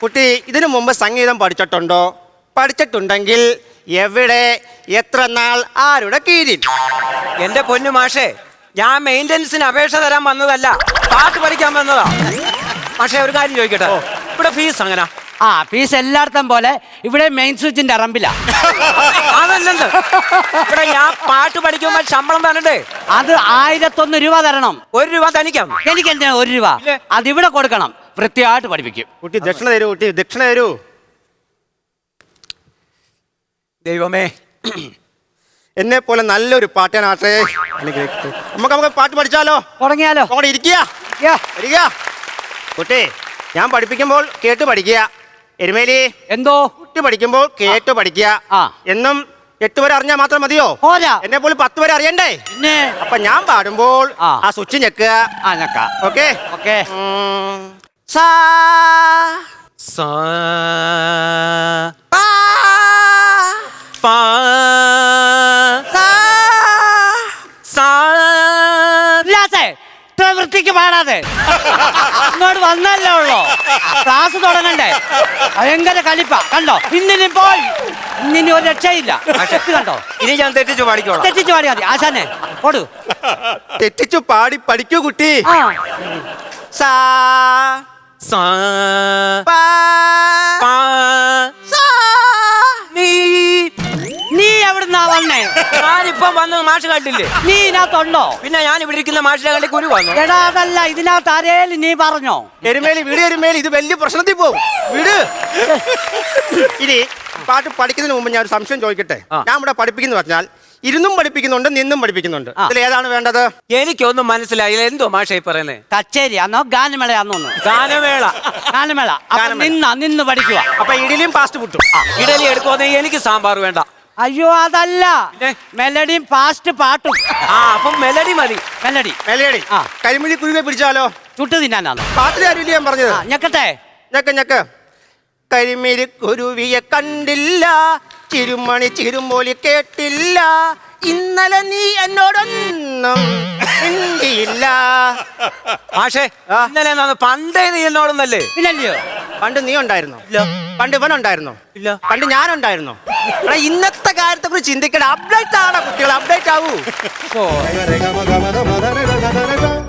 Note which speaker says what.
Speaker 1: കുട്ടി ഇതിനു മുമ്പ് സംഗീതം പഠിച്ചിട്ടുണ്ടോ? പഠിച്ചിട്ടുണ്ടെങ്കിൽ എവിടെ, എത്ര നാൾ, ആരുടെ കീഴിൽ?
Speaker 2: എന്റെ പൊന്നു മാഷേ, ഞാൻ മെയിൻ്റനൻസിന് അപേക്ഷ തരാൻ വന്നതല്ല, പാട്ട് പഠിക്കാൻ വന്നതാ. മാഷേ ഒരു കാര്യം ചോദിക്കട്ടെ, ഇവിടെ ഫീസ് അങ്ങനെ?
Speaker 3: ഫീസ് എല്ലായിടത്തും പോലെ ഇവിടെ മെയിൻ സ്വിച്ചിന്റെ അറമ്പിലാ.
Speaker 2: അതല്ലെന്ന്, ഇവിടെ ഞാൻ പാട്ട് പഠിക്കുമ്പോൾ ശമ്പളം തരണ്ടേ?
Speaker 3: അത് 1001 രൂപ തരണം.
Speaker 2: 1 രൂപ തനിക്കാം?
Speaker 3: എനിക്ക് എന്തിനാ 1 രൂപ? അതിവിടെ കൊടുക്കണം, വൃത്തിയായിട്ട് പഠിപ്പിക്കും.
Speaker 1: കുട്ടി ദക്ഷിണ തരൂ, കുട്ടി ദക്ഷിണ തരൂ.
Speaker 2: ദൈവമേ,
Speaker 1: എന്നെ പോലെ നല്ലൊരു പാട്ടാനാട്ടെ. നമുക്ക് പാട്ട് പഠിച്ചാലോ?
Speaker 3: തുടങ്ങിയാലോ?
Speaker 1: അവിടെ ഇരിക്കുക. കുട്ടി ഞാൻ പഠിപ്പിക്കുമ്പോൾ കേട്ട് പഠിക്കുക. എരുമേലി
Speaker 3: എന്തോ
Speaker 1: കുട്ടി പഠിക്കുമ്പോൾ കേട്ട് പഠിക്കുക. എന്നും 8 വരെ അറിഞ്ഞാൽ മാത്രം മതിയോ? എന്നെ പോലെ 10 വരെ അറിയണ്ടേ?
Speaker 3: പിന്നെ
Speaker 1: അപ്പൊ ഞാൻ പാടുമ്പോൾ ആ സ്വിച്ച് ഞെക്കുക. Okay
Speaker 3: okay.
Speaker 1: സാ
Speaker 2: സാ പാ പാ സാ സാ.
Speaker 3: വൃത്തിക്ക് പാടാതെ ഇങ്ങോട്ട് വന്നല്ലേ ഉള്ളോ, ക്ലാസ് തുടങ്ങണ്ടേ? ഭയങ്കര കലിപ്പ കണ്ടോ. ഇന്നിനി പോയി, ഇന്നിനി ഒരു രക്ഷയില്ല. കണ്ടോ,
Speaker 2: ഇനി ഞാൻ തെറ്റിച്ചു പാടിക്കോളാം.
Speaker 3: തെറ്റിച്ചു പാടിയാ മതി. ആശാനെ കൊടു.
Speaker 1: തെറ്റിച്ചു പാടി പഠിക്കൂ കുട്ടി. സാ
Speaker 2: സാ
Speaker 1: പാ
Speaker 2: പാ സാ.
Speaker 3: നീ എവിടുന്നാ വന്നേ?
Speaker 2: ഞാനിപ്പം വന്നത് മാഷ് കണ്ടില്ലേ?
Speaker 3: നീ ഇതിനകത്തുണ്ടോ?
Speaker 2: പിന്നെ ഞാൻ ഇവിടെ ഇരിക്കുന്ന മാഷിനെ കണ്ടി കുരു വന്നു.
Speaker 3: എടാ അതല്ല, ഇതിനകത്ത് ആരേലും നീ പറഞ്ഞോ?
Speaker 1: എരുമേലി വീട്, എരുമേലി ഇത് വലിയ പ്രശ്നത്തിൽ പോകും. വീട്. ഇനി പാട്ട് പഠിക്കുന്നതിന് മുമ്പ് ഞാൻ ഒരു സംശയം ചോദിക്കട്ടെ. ഞാൻ ഇവിടെ പഠിപ്പിക്കുന്നു പറഞ്ഞാൽ ഇരുന്നും പഠിപ്പിക്കുന്നുണ്ട്, നിന്നും പഠിപ്പിക്കുന്നുണ്ട്. ഇതിൽ ഏതാണ് വേണ്ടത്?
Speaker 2: എനിക്കൊന്നും മനസ്സിലായില്ല. എന്തോ മാഷേ പറയുന്നേ?
Speaker 3: കച്ചേരിയാന്നോ ഗാനമേളയാന്നോ?
Speaker 2: ഗാനമേള.
Speaker 3: ഗാനമേള. നിന്ന് പഠിക്കുക.
Speaker 1: അപ്പൊ ഇഡലിയും പാസ്റ്റ് പുട്ടും.
Speaker 2: ഇഡലി എടുക്കുവാന്നെ എനിക്ക് സാമ്പാർ വേണ്ട.
Speaker 3: അയ്യോ അതല്ല, മെലഡിയും ഫാസ്റ്റ് പാട്ടും.
Speaker 2: അപ്പം മെലഡി മതി.
Speaker 3: മെലഡി.
Speaker 1: കരിമിഴി കുരുവെ പിടിച്ചാലോ?
Speaker 3: ചുട്ടു തിന്നാനാണോ?
Speaker 1: പാട്ടിലെ അറിയില്ല ഞാൻ പറഞ്ഞത്.
Speaker 3: ഞെക്കട്ടെ.
Speaker 1: ഞെക്ക്. കരിമിഴി കുരുവിയെ കണ്ടില്ല, ചിരുമണി ചിരുമ്പോലി കേട്ടില്ല, ഇന്നലെ നീ എന്നോടൊന്നും മിണ്ടിയില്ല.
Speaker 2: മാഷേ ഇന്നലെ പണ്ടേ നീ എന്നോടൊന്നല്ലേ?
Speaker 3: ഇല്ലല്ലോ.
Speaker 1: പണ്ട് നീ ഉണ്ടായിരുന്നോ?
Speaker 2: ഇല്ല.
Speaker 1: പണ്ട് ഇവനുണ്ടായിരുന്നോ?
Speaker 2: ഇല്ല.
Speaker 1: പണ്ട് ഞാനുണ്ടായിരുന്നോ? ഇന്നത്തെ കാര്യത്തെ കുറിച്ച് ചിന്തിക്കണം. അപ്ഡേറ്റ് ആണോ കുട്ടികൾ? അപ്ഡേറ്റ് ആവൂ.